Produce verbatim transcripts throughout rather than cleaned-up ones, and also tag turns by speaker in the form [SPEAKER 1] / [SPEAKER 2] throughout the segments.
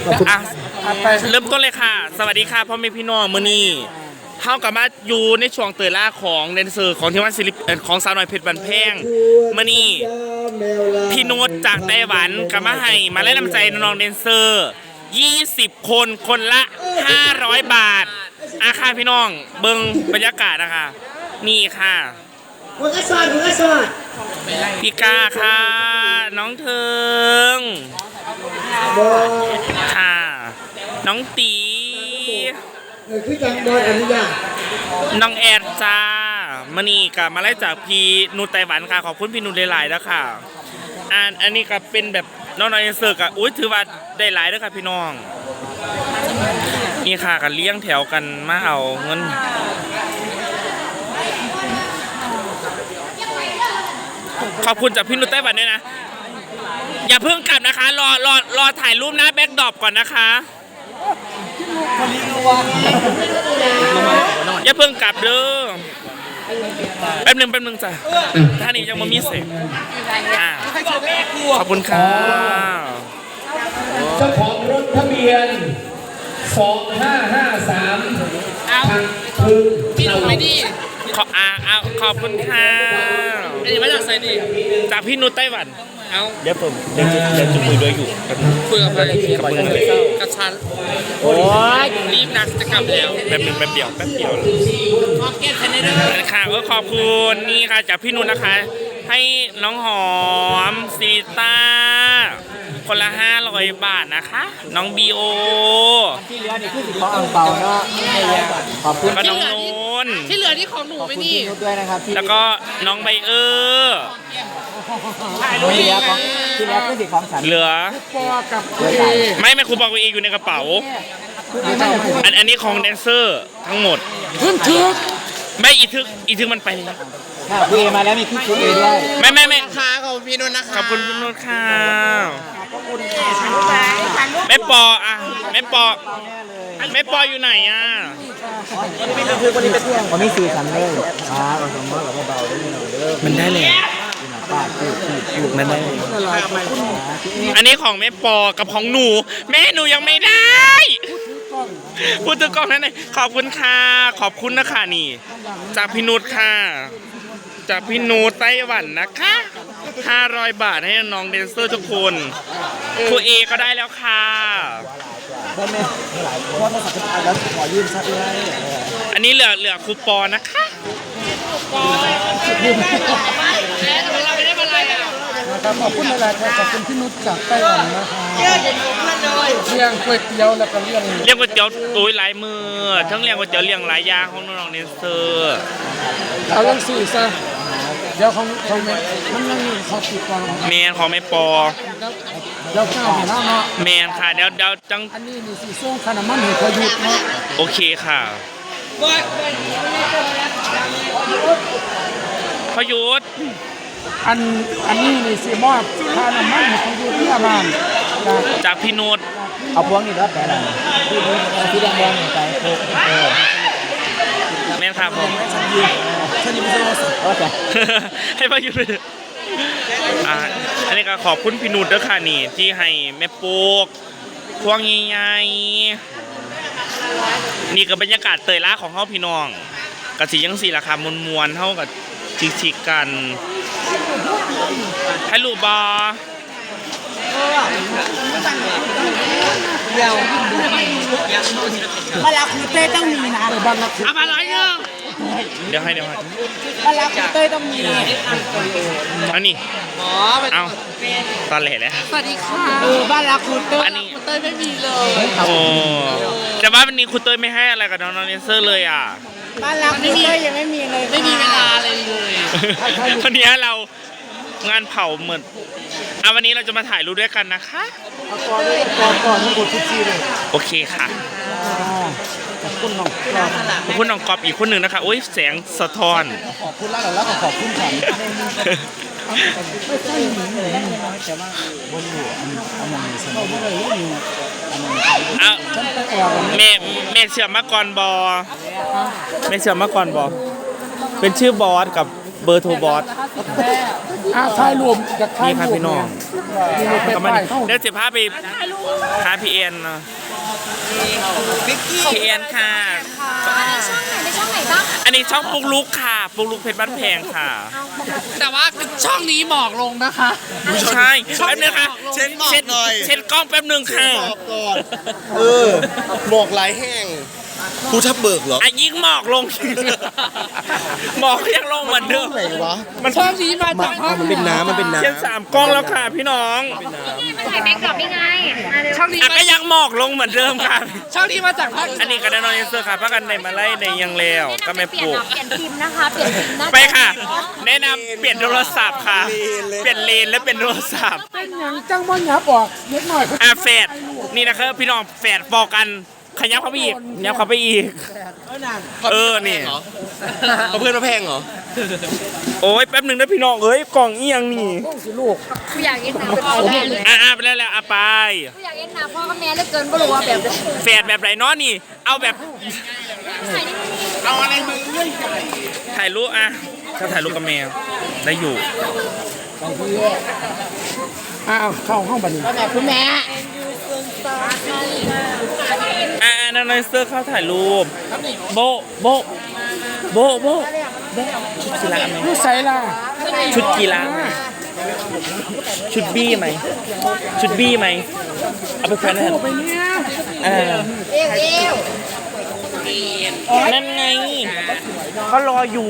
[SPEAKER 1] อ่ะเริ่มต้นเลยค่ะสวัสดีค่ะพ่อแม่พี่น้องมื้อนี้เฮากับมาอยู่ในช่วงเตยล่าของแดนเซอร์ของทีมงานศิลปินของสาวน้อยเพชรบันแพงมื้อนี้พี่โน้ตจากไต้หวันกับมาให้มาให้น้ำใจน้องๆแดนเซอร์ยี่สิบคนคนละห้าร้อยบาทอาค่ะพี่น้องเบิ่งบรรยากาศนะคะนี่ค่ะ
[SPEAKER 2] หัวกระสอนหัวกระสอน
[SPEAKER 1] พี่กาค่ะ น้องเทิง
[SPEAKER 2] บอ
[SPEAKER 1] ค่ะ น้องตี
[SPEAKER 2] เออคือจังบอลอนุญาต
[SPEAKER 1] น้องแอดจ้ามานี่กับมาไล่จากพี่นูไต้หวันค่ะขอบคุณพี่นูหลายๆแล้วค่ะอันอันนี้ก็เป็นแบบน้องๆเอ็นเซอร์กับอุ้ยถือว่าได้หลายด้วยค่ะพี่น้องนี่ค่ะกันเลี้ยงแถวกันมาเอาเงินขอบคุณจากพี่นูไต้หวันด้วยนะอย่าเพิ่งกลับนะคะรอรอรอถ่ายรูปหน้าแบ็คดรอปก่อนนะคะอย่าเพิ่งกลับเด้อแป๊บนึงแป๊บนึงจ้ะท่านี้ยังไม่มีเสร็จอ่ะขอบคุณค่ะ
[SPEAKER 3] เจ้าของรถทะเบียนสองห้าห้าสามทางพึงพี่หนุ่มไม่ดี
[SPEAKER 1] ขออ่าเอาขอบคุณค่ะ
[SPEAKER 3] อันนี้มาจากไซดี
[SPEAKER 1] จากพี่นุชไต้หวัน
[SPEAKER 3] เอา
[SPEAKER 1] เดี๋ยวผมเดี๋ยวจะเดี๋ยวจะคุยด้วยอยู่
[SPEAKER 3] คุยกับใคร
[SPEAKER 1] กับมึงเลย
[SPEAKER 3] กับฉัน
[SPEAKER 1] โอ้ย
[SPEAKER 3] รีบนักจะกลับแล้ว
[SPEAKER 1] แป๊บนึงแป๊บเดียวแป๊บเดียว
[SPEAKER 3] พร้อมเก็ตคะแนนเด้อ
[SPEAKER 1] ค่ะก็ขอบคุณนี่ค่ะจากพี่นุชนะคะ ให้น้องหอมซีต้าคนละห้าร้อยบาทนะคะ น้องบีโอ
[SPEAKER 2] ที่เหลือนี่คือสิของอังเปาเนาะขอบคุณ
[SPEAKER 1] แล้วก็น้องนุ่น
[SPEAKER 3] ที่เหลือที่ของหนูไม่นี่
[SPEAKER 2] นุชด้วยนะครับที่
[SPEAKER 1] แล้วก็น้องใบเออร์
[SPEAKER 2] ที่เหลือของที่เหลือคือสิของฉัน
[SPEAKER 1] เหลือ
[SPEAKER 3] ปอกับ
[SPEAKER 2] เพื่อใจ
[SPEAKER 1] ไม่ไม่ครูบอกว่าเองอยู่ในกระเป๋า อันอันนี้ของแดนเซอร์ทั้งหมด
[SPEAKER 3] ขึ้นทึก
[SPEAKER 1] ไม่อีทึกอีทึกมันไปแล้ว
[SPEAKER 2] ถ้าคุยมาแล้วมีพี่คุยด้วย
[SPEAKER 1] ไม่ไม่ไม่
[SPEAKER 3] ค้าของพี่นุ่นนะคะ
[SPEAKER 1] ขอบคุณพี่นุชค่ะแม่ปออ่ะแม่ปอแม่ปออยู่ไหนอ่ะ
[SPEAKER 2] คือคนนี้เป็นคนนี้สี่สันเลยอ่าผสมมากกับเบาๆได้หน่อยเด้อ
[SPEAKER 1] มันได้เลย
[SPEAKER 2] ป้าพูดพูดพูด
[SPEAKER 1] มันได้อันนี้ของแม่ปอกับของหนู แม่หนูยังไม่ได้พูดถึงกล้องนั้นเลยขอบคุณค่ะขอบคุณนะคะนี่ จากพี่นุชค่ะ จากพี่นูไต้หวันนะคะห้าร้อยบาทให้น้องแดนเซอร์ทุกคนครูเอก็ได้แล้วค่ะ
[SPEAKER 2] ได้ไหมหลายคนมาสักการแล้วขอยืมสักเลย
[SPEAKER 1] อันนี้เหลือเหลือครูปอนะคะ
[SPEAKER 4] นะครับขอบคุณหลายๆครับขอบคุณพี่นุชจากไต้หวันนะคะเลี้ยงก๋วยเตี๋ยวแล้วก็เลี้ยง
[SPEAKER 1] เรียกก๋วยเตี๋ยวตุ้ยหลายมือทั้งเรียกก๋วยเตี๋ยวเรียงหลายอย่างของน้องๆแดนเซอร์
[SPEAKER 4] เอาเรื่องสี่ซะเดี๋ยวของของแม่มันยังมีเขาติดก่อน
[SPEAKER 1] แมนของแม่ปอ
[SPEAKER 4] เดี๋ยวข้าวเห็นแล้วเนาะ
[SPEAKER 1] แมนค่ะเดี๋ยวเดี๋ยวจัง
[SPEAKER 4] อันนี้นี่สีส้มขนาดมันเห็นเขาหยุดเนาะ
[SPEAKER 1] โอเคค่ะพยุทธ
[SPEAKER 4] อันอันนี้นี่สีมอบขนาดมันเห็นเขาหยุดที่บ้าน
[SPEAKER 1] จากพี่นุช
[SPEAKER 2] เอาพวงนี่แล้วแต่ละที่ที่แดงๆไปเออ
[SPEAKER 1] แมนครับผม
[SPEAKER 2] ฉันยังไม่ใช่โอเค
[SPEAKER 1] ให้พยุทธเลยอ่าอันนี้ก็ขอบคุณพี่นุชด้วยค่ะนี่ที่ให้แม่ปูกพวงใหญ่ๆนี่ก็บรรยากาศเตยล่าของเฮาพี่น้องกะสียังสีราคามวลๆเท่ากับชิกๆกันให้ลูกบอ
[SPEAKER 2] เดี๋ยวมาลาคูเต้ต้องมีนะบ้านลาคู
[SPEAKER 3] เอามาร้อยหนึ่ง
[SPEAKER 1] เดี๋ยวให้เดี๋ยวให้
[SPEAKER 2] บ้านลาคูเต้ต้องมี
[SPEAKER 1] เอานี่
[SPEAKER 3] อ๋อ
[SPEAKER 1] เอาตอนแหล่แล้ว
[SPEAKER 3] สวัสดีค่ะ
[SPEAKER 2] เออบ้านลาคูเต้
[SPEAKER 1] อันนี้
[SPEAKER 3] คุณเต้ยไม่มีเลย
[SPEAKER 1] โอ้แต่ว่าวันนี้คุณเต้ยไม่ให้อะไรกับน้องๆเนเซอร์เลยอ่ะ
[SPEAKER 2] บ้านลาคูเต้ยังไม่มีเลย
[SPEAKER 3] ไม่มีเวลาเลยเลย
[SPEAKER 1] วันนี้เรางานเผาเหมือนอ่ะวันนี้เราจะมาถ่ายรูปด้วยกันนะคะ
[SPEAKER 4] เอาก่อนเลยก่อนก่อนทั้งหมดทุกทีเลย
[SPEAKER 1] โอเคค่ะ
[SPEAKER 4] ขอบคุณน้องกรอบ
[SPEAKER 1] ขอบคุณน้องกอบอีกคนหนึ่งนะคะโอ้ยแสงสะท้อน
[SPEAKER 4] ขอบคุณแล้วแล้วก็ขอบคุณฉันไม่ใช่หนูเลยแต่ว่าบนหัวอันอันนั้นสมัยนี้เลยอยู่อันนั้น
[SPEAKER 1] เอา
[SPEAKER 4] ฉันไปออก
[SPEAKER 1] แม่แม่เชื่อมาก่อนบอแม่เชื่อมาก่อนบอเป็นชื่อบอสกับเบอร์โทรบอส
[SPEAKER 4] อ่าถ่ายรวมจากถ่าย
[SPEAKER 1] นี่ครับ
[SPEAKER 4] รวม
[SPEAKER 1] พี่น้อง
[SPEAKER 4] นี่รถไป
[SPEAKER 1] ก็
[SPEAKER 4] ไป
[SPEAKER 1] มัน
[SPEAKER 4] เข้า
[SPEAKER 1] เดี๋ยวจะพาไปหาพี่เอ็นเนาะพี่เอ็นค่ะ
[SPEAKER 5] ช่องไหนในช่องไหนบ้าง
[SPEAKER 1] อันนี้ช่องปุ๊กลุกค่ะปุ๊กลุกเพชรบ้านแพงค่ะ
[SPEAKER 4] แต่ว่าช่องนี้หมอกลงนะคะ
[SPEAKER 1] ใช่แป๊บนึงค่ะ
[SPEAKER 6] เช็ดหมอกหน่อย
[SPEAKER 1] เช็ดกล้องแป๊บนึงค่ะ
[SPEAKER 6] บอกก่อน เออหมอกไหลแห้งภูทับเบิกเหรอ
[SPEAKER 1] อ่ะยิ่งหมอกลง หมอกยังลงเหมือนเดิม
[SPEAKER 6] ไหนวะ
[SPEAKER 1] มัน
[SPEAKER 4] ช่องนี้มาจากห้อง
[SPEAKER 6] มันเป็นน้ำมันเป็นน้ำ
[SPEAKER 1] เช็ดสามกล้องแล้วค่ะพี่น้อง
[SPEAKER 5] มาถ่ายแบ็กกรอบนี่ไงมาเร็ว
[SPEAKER 4] ช่องนี้
[SPEAKER 1] อ่ะ
[SPEAKER 4] มา
[SPEAKER 1] ก็ยังหมอกลงเหมือนเดิมค่ะ
[SPEAKER 4] ช่องนี้มาจากภาค
[SPEAKER 1] อันนี้ก็ได้นอนเซอร์ค่ะพักกันในมาไล่ในยังแล้วก็ไม่
[SPEAKER 5] เปลี่
[SPEAKER 1] ป
[SPEAKER 5] ยน
[SPEAKER 1] ลูก
[SPEAKER 5] เปลี่ยนพิมพ์นะคะ เปลี่ยนพิมพ์นะ
[SPEAKER 1] ไปค่ะ แนะนำเปลี่ยนโทรศัพท์ค่ะ เปลี่ยนเลนและเป็นโทรศัพท์
[SPEAKER 4] เป็นอย่างจังบ่หยับออกเล็กหน่อย
[SPEAKER 1] อ่ะแฟดนี่นะครับพี่น้องแฟดบอกกันขยับเข้าไปอีกขยับเข้าไปอีก เออนี่
[SPEAKER 6] เขาเพื่อนมาแพงเหรอ
[SPEAKER 1] โอ้ยแป๊บหนึ่งนะพี่น้องเอ้ยกล่องเอียงนี่
[SPEAKER 4] ต้องสิลูก
[SPEAKER 5] กูอยากเอ็นนาพ่อแม่เลย
[SPEAKER 1] อ่ะอ่ะไปแล้วแล้วอ่ะไป
[SPEAKER 5] กูอยากเอ็นนาพ่อกับแม่เหลือเกินไม่รู้ว่าแบบ
[SPEAKER 1] แฟดแบบไหนเนาะนี่ เอาแบบ
[SPEAKER 5] ใส่นี่
[SPEAKER 1] เอาอะไรมึงถ่ายรูปอ่ะถ้าถ่ายรูปกับแมวได้อยู่
[SPEAKER 4] อ้าวเข้าห้องบันนี้
[SPEAKER 5] คุณแม่
[SPEAKER 1] อ่ะอ่ะนั่นเลยเสื้อเข้าถ่ายรูปโบะโบะโบะโบะโบะชุดกีฬาไหม
[SPEAKER 4] ลูกใส่ล่ะ
[SPEAKER 1] ชุดกีฬาไหมชุดบี้ไหมชุดบี้ไหมเอาไปแขวนนั่น
[SPEAKER 4] ไปเนี่ย
[SPEAKER 1] อ่า
[SPEAKER 5] เอวเอว
[SPEAKER 1] นั่นไงเขารออยู่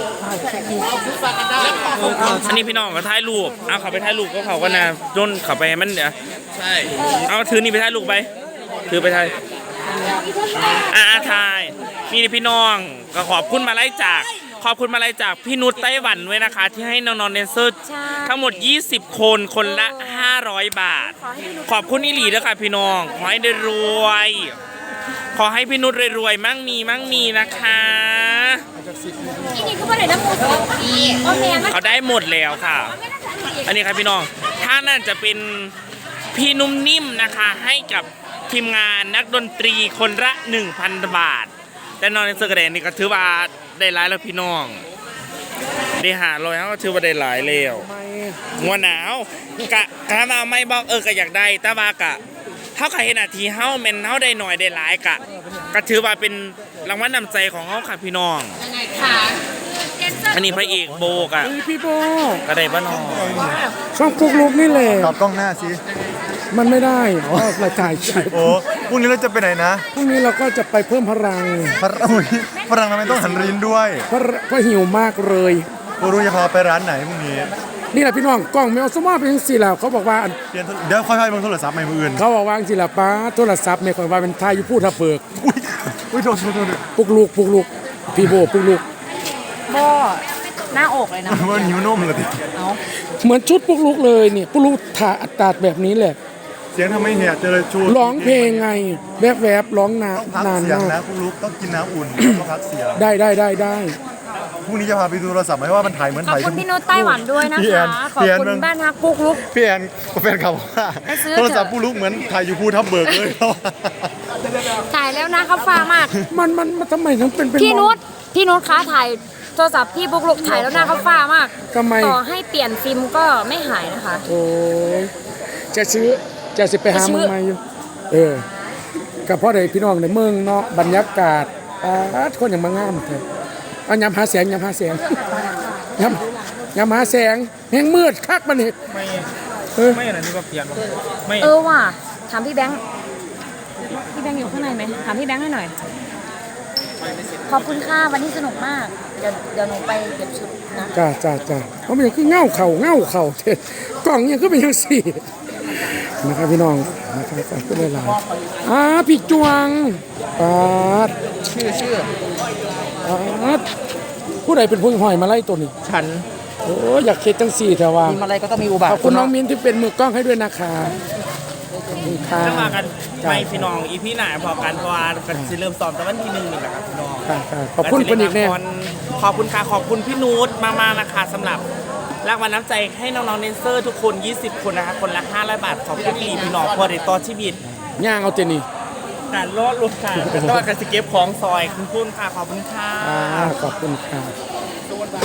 [SPEAKER 1] อันนี้พี่น้องก็ถ่ายรูปเอาเขาไปถ่ายรูปก็เขาก็นะจนเขาไปให้มันเดี๋ยว
[SPEAKER 6] ใช่
[SPEAKER 1] เอาถือนี่ไปถ่ายรูปไปถือไปถ่ายอ่าถ่ายนี่พี่น้องก็ขอบคุณมาไล่จากขอบคุณมาไล่จากพี่นุชไต้หวันด้วยนะคะ ที่ให้น้องๆเดนเซอร์ทั้งหมดยี่สิบคนคนละห้าร้อยบาท ขอบคุณอีหลีด้วยค่ะพี่น้องขอให้ได้รวย ขอให้พี่นุชรวยๆมั่งมีมั่งมีนะคะ
[SPEAKER 5] อีนี่ก็ไม่ได้น้ำมูสปีพ่อแม่มัน
[SPEAKER 1] เขาได้หมดแล้วค่ะ อันนี้ครับพี่น้องถ้านั่นจะเป็นพี่นุ่มนิ่มนะคะ ให้กับทีมงานนักดนตรีคนละ หนึ่งพัน บาท แต่นอนในเซอร์กระแดนนี่ก็ถือว่าได้หลายแล้วพี่น้องได้หาลอยเขาก็ถือว่าได้หลายแล้วงัวหนาวกะกะมาไม่บอกเออก็อยากได้แต่ว่ากะเท่ากับเห็นอาทีเฮาแม่นเฮาได้หน่อยได้หลายกะก็ถือว่าเป็นรางวัลนำใจของเฮาค่ะพี่น้อง
[SPEAKER 5] ค่ะ
[SPEAKER 1] อันนี้พระเอกโบกอะ
[SPEAKER 4] พี่โบ
[SPEAKER 1] ก็ได้บ้านอง
[SPEAKER 4] ช่องปุ๊กลุกนี่แหละ
[SPEAKER 7] ตอบกล้องหน้าสิ
[SPEAKER 4] มันไม่ได้เพราะเราถ่ายคลิป
[SPEAKER 7] โอ้พรุ่งนี้เราจะไปไหนนะ
[SPEAKER 4] พรุ่งนี้เราก็จะไปเพิ่มพลัง
[SPEAKER 7] พระอุ้ยฝรั่งทำไมต้องหันรินด้วย
[SPEAKER 4] เพราะเพราะหิวมากเลย
[SPEAKER 7] กูรู้จะพาไปร้านไหนพรุ่งนี้
[SPEAKER 4] นี่แหละพี่น้องกล้องแมวสมอเป็นสิแล้วเขาบอกว่า
[SPEAKER 7] เปลี่ยนโทรเดี๋ยวค่อยๆมึงโทรศัพท์ใหม่มืออื่น
[SPEAKER 4] เขาบอกว่าสิละป้าโทรศัพท์ไม่ค่อยว่าเป็นทายอยู่พูดทับเบิก
[SPEAKER 7] อุ้ยอุ้ยโทษโทษโทษ
[SPEAKER 4] ปุกลูกปุกลูกพี่โบปุกลูก
[SPEAKER 5] โบหน้าอกเลยนะ
[SPEAKER 7] ว่านิ้วนมเลยดิ
[SPEAKER 4] เหมือนชุดปุกลูกเลยเนี่ยปุกลูกถ่าอัตราแบบนี้แหละ
[SPEAKER 7] เสียงทำไมเหี่ยเจอชู
[SPEAKER 4] ร้องเพลงไงแวบแวบๆร้องนา
[SPEAKER 7] ต้องพัก
[SPEAKER 4] นาน
[SPEAKER 7] เสียง
[SPEAKER 4] มาก
[SPEAKER 7] นะคุณลูกต้องกินน้ำอุ่นต้องพักเสียง
[SPEAKER 4] ได้ได้ได้ได้
[SPEAKER 7] พรุ่งนี้จะพาไปดูโทรศัพท์ไหมว่ามันถ่ายเหมือน
[SPEAKER 5] ขอบ
[SPEAKER 7] ถ่าย
[SPEAKER 5] คุณพี่นุชไต้หวันด้วยนะ
[SPEAKER 7] พี่แอ
[SPEAKER 5] คะ
[SPEAKER 7] น
[SPEAKER 5] ขอบ
[SPEAKER 7] พี่แอน
[SPEAKER 5] คุณ
[SPEAKER 7] มึง
[SPEAKER 5] บ้านฮักปุ๊กลุก
[SPEAKER 7] พี่แอนแฟนเขาบอกว่า
[SPEAKER 5] ไปซื้อ
[SPEAKER 7] โทรศัพท์ผู้ลูกเหมือนถ่ายอยู่ภูทับเบิกเลย
[SPEAKER 5] ถ่ายแล้วนะเขาฟ้ามาก
[SPEAKER 4] มันมันมันทำไมถึงเป็นเป็น
[SPEAKER 5] พี่นุชพี่นุชคะถ่ายโทรศัพท์พี่ปุ๊กลุกถ่ายแล้วหน้าเขาฟ้ามาก
[SPEAKER 4] ทำไม
[SPEAKER 5] ต่อให้เปลี่ยนฟิล์มก็ไม่หายนะคะ
[SPEAKER 4] โอ้ยจะซื้อจะสิไปหา
[SPEAKER 5] จะซื้
[SPEAKER 4] มึ
[SPEAKER 5] อ
[SPEAKER 4] งมาอยู่เออกับพ่อใดพี่น้องในเมืองเนาะบรรยากาศอาดคนอย่างมางามเถอะเอายำหาแสงยำหาแสงยำยำหาแสงแห้งมืดคักมันนี่เออ
[SPEAKER 1] ไม่อะไรนี่ก็เปลี่ยนไม่
[SPEAKER 5] เออว่ะถามพี่แบงค์พี่แบงค์อยู่ข้างในไหมถามพี่แบงค์ให้หน่อย ขอบคุณค่ะวันนี้สนุกมาก เดี๋ยวเดี๋ยวหนูไปเก็บชุดนะ
[SPEAKER 4] จ้าจ้าจ้าเพราะมันยังคือเง่าเข่าเง่าเข่าเทกล่องยังก็เป็นยังสี่นะครับพี่น้องนะครับฝากขึ้นเลยหลายอ่าพี่จวงปาด
[SPEAKER 2] ชื่อชื่อ
[SPEAKER 4] ปาดผู้ใดเป็นผู้หอยมาไล่ตัวนี้
[SPEAKER 2] ฉัน
[SPEAKER 4] โอ้อยากเค็ดจังสี่แต่ว่า
[SPEAKER 2] มีอะไรก็ต้องมีอุบาท
[SPEAKER 4] ขอบคุณน้องมิ้นที่เป็นมือกล้องให้ด้วยนะคะขอบคุณค่ะ
[SPEAKER 1] จะมากันไม่พี่น้องอีพี่หนาพอกันเพราะว่ากันสิเริ่มซ้อมแต่วันที่หนึ่งนี่แหละครับพี่น้อง
[SPEAKER 4] ค่ะค่ะขอบคุณคนอีกแน่
[SPEAKER 1] ขอบคุณค่ะขอบคุณพี่นูตมากๆนะคะสำหรับรางวัลน้ำใจให้น้องๆเดนเซอร์ทุกคนยี่สิบคนนะคะคนละห้าร้อยบาทขอบคุณพี่พี่น้องพอได้ต่อชีวิต
[SPEAKER 4] ย่างเอาเจนี่
[SPEAKER 1] การรอดลูกค่ะแต่ต้องการสเก็บของซอยคุณคุณค่ะขอบคุณค่ะ
[SPEAKER 4] อ่าขอบคุณค่ะ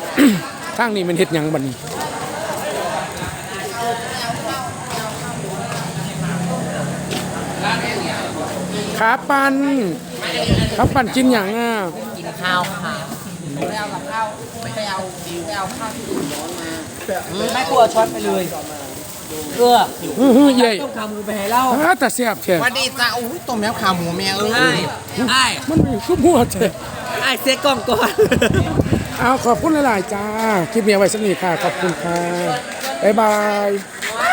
[SPEAKER 4] ทางนี้มันเฮ็ดหยังบัดนี้ขาปันขาปันกินหยังอ่ะ
[SPEAKER 2] กินข้าวค่ะไม่เอากับข้าวไม่เอาไม่เอาข้าวที่อุ่นร้อนมาไม่กลัวช็อตไปเลยเออ
[SPEAKER 4] อื้อหือเย่
[SPEAKER 2] ต้มขาหมูไปให้เล่า
[SPEAKER 4] อ่าแต่แซ่บแท้
[SPEAKER 6] วันดีจ้าอุ้ยต้มยำขาหมูแม่เอ้
[SPEAKER 2] ไอ้
[SPEAKER 6] ย
[SPEAKER 2] ไอ้
[SPEAKER 4] มันมีคือหัวแท้
[SPEAKER 2] ไอ้เซ็กกล้องก่อน
[SPEAKER 4] เอาขอบคุณหลายๆจ้าคลิปนี้เอาไว้สักนิดค่ะขอบคุณค่ะบ๊ายบาย